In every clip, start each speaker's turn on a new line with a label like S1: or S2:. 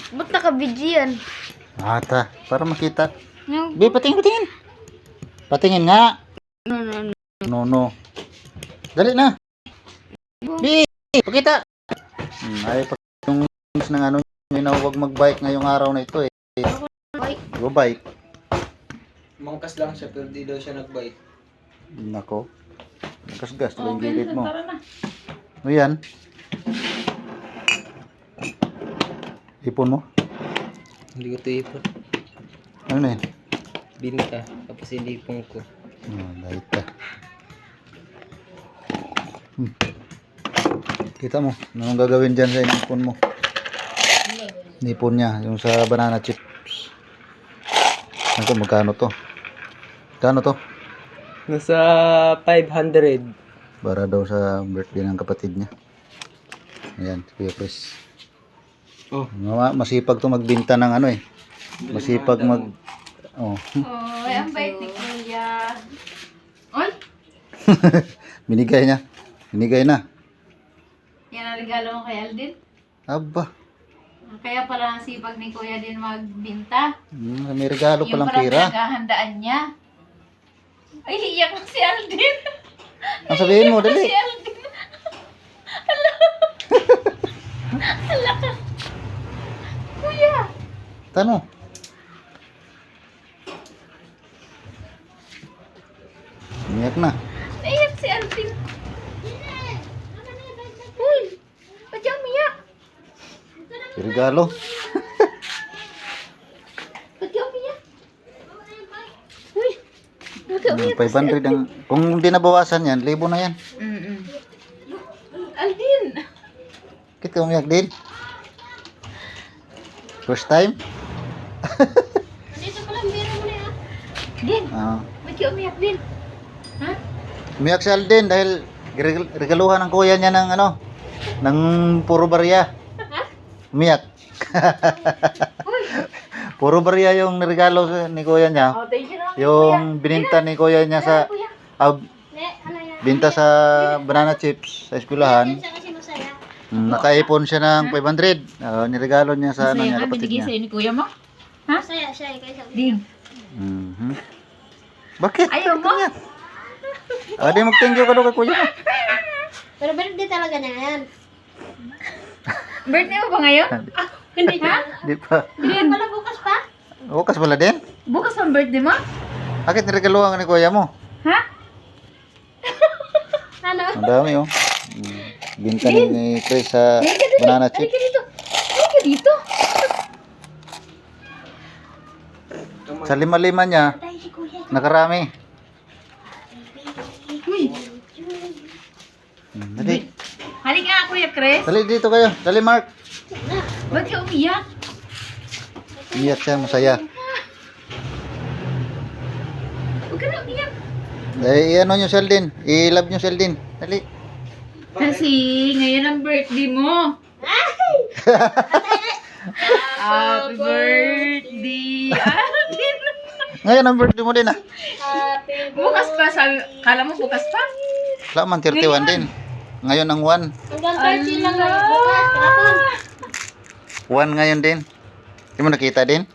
S1: Ba't naka-video yan?
S2: Ata, para makita.
S1: Yung...
S2: Bi, patingin, patingin. Patingin nga.
S1: No.
S2: No. Dali na. Bi, pakita. Ay, yung ng ano, na huwag mag-bike ngayong araw na ito eh. Go bike.
S3: Mangkas lang siya pero di daw siya nag-bike.
S2: Nako. Gas-gas yung
S1: Okay,
S2: gilid mo.
S1: tara na.
S2: O yan. Ipon mo.
S3: Hindi ko ito ipon.
S2: Ano na yun?
S3: Binta. Tapos inipon ko.
S2: Dahil ka. Kita mo, anong gagawin dyan sa inipon mo? Inipon niya, yung sa banana chips. Ito, magkano to? Magkano to?
S3: Nasa 500.
S2: Para daw sa birthday ng kapatid niya. Ayan, si Kuya Chris.
S3: Oh.
S2: Masipag to magbinta ng ano eh. Masipag mag... Oh.
S1: Oh, ang bait ni Kuya. Oy,
S2: Binigay niya. Binigay na.
S1: yan ang regalo mo kay Aldin.
S2: Aba.
S1: Kaya pala ang sipag ni Kuya din magbinta.
S2: May regalo
S1: Yung
S2: palang
S1: parang
S2: pira.
S1: pinaghahandaan niya. Ay, iyak na si Aldin.
S2: Ang sabihin mo,
S1: Si
S2: dali.
S1: Aldin. Hala ka. Kuya.
S2: Tano. Umiyak na.
S1: Naiyak si Aldin. Uy, ba't yung umiyak?
S2: May regalo.
S1: Ba't yung umiyak? Uy, ba't yung umiyak?
S2: 500 ang... Kung hindi nabawasan yan, 1,000 na yan.
S1: Aldin.
S2: Kita umiyak din. First time?
S1: Dito pala, meron mo na yan. Din,
S2: Ah.
S1: ba't yung umiyak din? Ha?
S2: Umiyak si Alden dahil regaluhan ng kuya niya ng ano, ng puro barya. Umiyak. Puro barya yung regalo ni kuya niya.
S1: Oh, thank you naman.
S2: Yung bininta ni kuya niya sa
S1: Kuya.
S2: binta sa banana chips sa eskwelahan. Nakaipon siya ng 500. Niregalo niya sa ano niya, kapatid
S1: Binigay
S2: niya.
S1: sa'yo ni Kuya mo? Ha?
S4: Saya, kayo
S1: Din.
S2: Mhm. Bakit?
S1: Ayaw mo?
S2: Di mag-thank you ka daw kay kuya mo.
S4: Pero birthday talaga na yan.
S1: Birthday mo ba ngayon?
S4: Hindi
S1: Ha?
S2: Di pa.
S1: Din.
S4: Wala bukas pa?
S2: Bukas pala din.
S1: Bukas ang birthday mo?
S2: Bakit niregaluhan ka ni kuya mo?
S1: Ha?
S4: Ano?
S2: Ang dami oh. Binta ni Chris sa banana
S1: Halika
S2: chips.
S1: dito. Halika dito.
S2: Sa lima-lima niya,
S4: Tayo si kuya.
S2: nakarami.
S1: Uy.
S2: Dali.
S1: Halika nga, Kuya Chris.
S2: Dali dito kayo. Dali Mark.
S1: Ba't ka umiyak?
S2: Umiyak siya, masaya.
S1: Huwag ka na umiyak.
S2: Ano nyo si Aldin? I-love nyo si Aldin. Dali.
S1: Kasi ngayon ang birthday mo. Happy birthday, Aldin.
S2: Ngayon ang birthday mo din ah.
S1: Bukas pa, sabi, kala mo bukas pa?
S2: Wala man 31 din. Ngayon ang 1.
S4: Hanggang 30 lang ngayon bukas. Kapon.
S2: 1 ngayon din. Hindi mo nakita din?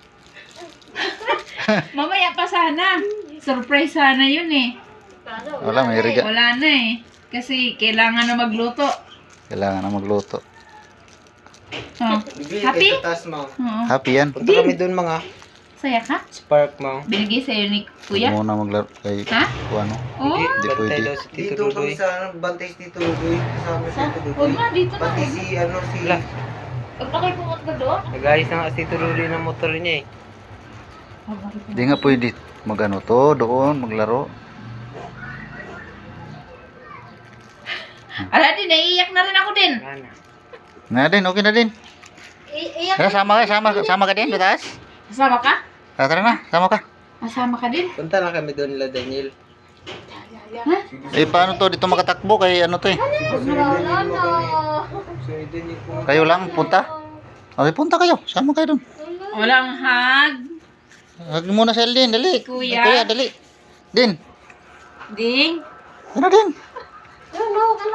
S1: Mamaya pa sana. Surprise sana yun eh.
S2: Wala, may regalo.
S1: Wala na eh. Kasi kailangan na magluto.
S2: Kailangan na magluto.
S1: Oh. Happy?
S3: Sa taas mo.
S1: Oo.
S2: Happy yan.
S3: Punta kami doon mga
S1: Saya ka?
S3: spark mo.
S1: Binigay sa'yo ni
S2: Huwag
S1: Kuya?
S2: muna maglaro kay
S1: Ha?
S2: ano.
S1: Oo.
S2: Hindi pwede.
S3: Daw si Tito Rudoy.
S5: bantay si Tito Rudoy. Kasama si Tito
S1: Huwag
S5: Rudoy.
S1: na, dito na.
S5: Pati si ano si...
S3: Wala.
S1: Huwag na kayo pumunta ka doon.
S3: Nag-ayos na nga si Tito Rudoy ng motor niya eh.
S2: Hindi nga pwede magano to doon maglaro.
S1: Ala din, naiiyak na rin ako din.
S3: Wala na.
S2: Na din, okay na din.
S4: Iyak.
S2: Tara, sama ka din, butas.
S1: Kasama ka?
S2: Tara na, sama ka.
S1: Kasama ka din?
S3: Punta lang kami doon nila Daniel.
S1: Ha?
S2: Paano to dito makatakbo kay ano to eh.
S4: Wala na.
S3: So, Daniel po.
S2: Kayo lang punta. Okay, punta kayo. Sama kayo doon.
S1: Walang hug.
S2: Hug muna si Aldin, dali.
S1: Kuya.
S2: Kuya, dali. Din.
S1: Ding.
S2: Ano din?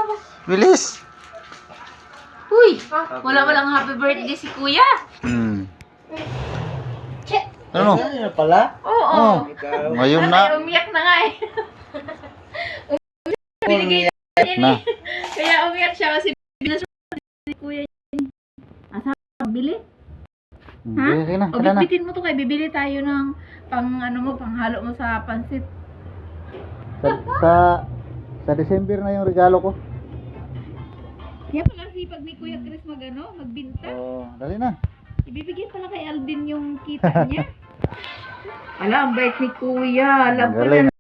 S2: Bilis.
S1: Uy, walang happy birthday si Kuya.
S2: Hmm. Ano?
S5: Ano na pala?
S1: Oo.
S2: Oh,
S5: Ikaw.
S2: ngayon na.
S1: Umiyak na nga eh. Binigay
S2: Na.
S1: Kaya umiyak siya kasi binasa ni kuya yun. Asa, bili? Ha?
S2: Sige na,
S1: O
S2: tara na.
S1: bitbitin mo to kay bibili tayo ng panghalo mo sa pansit.
S2: Sa December na yung regalo ko.
S1: Kaya pala sipag ni Kuya Chris magbinta.
S2: Oh, dali na.
S1: Ibibigay pala kay Alvin yung kita niya. Ala, ang bait ni Kuya. Alam ko
S2: Galing.
S1: na